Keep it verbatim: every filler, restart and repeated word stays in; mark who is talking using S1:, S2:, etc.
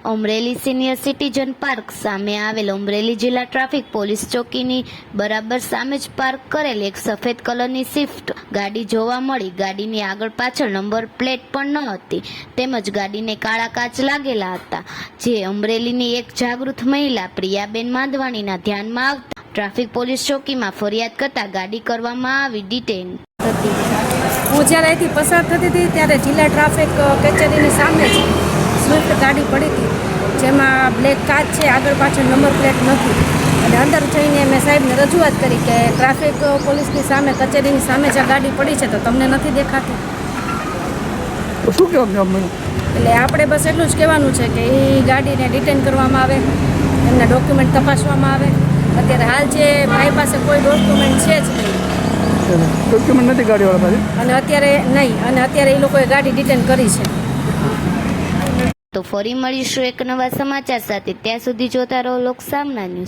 S1: Amreli senior citizen park સામે આવેલ અમરેલી જિલ્લા ટ્રાફિક પોલીસ ચોકીની બરાબર સામે જ પાર્ક કરેલ એક સફેદ કલરની સ્વિફ્ટ ગાડી જોવા મળી। ગાડીની આગળ પાછળ નંબર પ્લેટ પણ ન હતી તેમજ ગાડીને કાળા કાચ લાગેલા હતા, જે અમરેલીની એક જાગૃત મહિલા પ્રિયાબેન માંધવાણીના ધ્યાનમાં આવતા ટ્રાફિક પોલીસ ચોકીમાં ફરિયાદ કરતા ગાડી કરવામાં આવી ડિટેન હતી।
S2: હું જ્યારે અહીંથી પસાર થતી હતી ત્યારે જિલ્લા ટ્રાફિક કચેરીની સામે જ સ્વિફ્ટ ગાડી પડી હતી, જેમાં બ્લેક કાચ છે, આગળ પાછળ નંબર પ્લેટ નથી। અને અંદર જઈને મેં સાહેબને રજૂઆત કરી કે ટ્રાફિક પોલીસની સામે કચેરીની સામે જ આ ગાડી પડી છે તો તમને નથી દેખાતી?
S3: શું કહેવાનું?
S2: એટલે આપણે બસ એટલું જ કહેવાનું છે કે એ ગાડીને ડિટેન કરવામાં આવે, એમના ડોક્યુમેન્ટ તપાસવામાં આવે। અત્યારે હાલ જે મારી પાસે કોઈ ડોક્યુમેન્ટ છે જ નહીં,
S3: ડોક્યુમેન્ટ નથી ગાડીવાળા પાસે,
S2: અને અત્યારે નહીં, અને અત્યારે એ લોકોએ ગાડી ડિટેન કરી છે।
S1: તો ફરી મળીશું એક નવા સમાચાર સાથે, ત્યાં સુધી જોતા રહો લોક સામના ન્યૂઝ।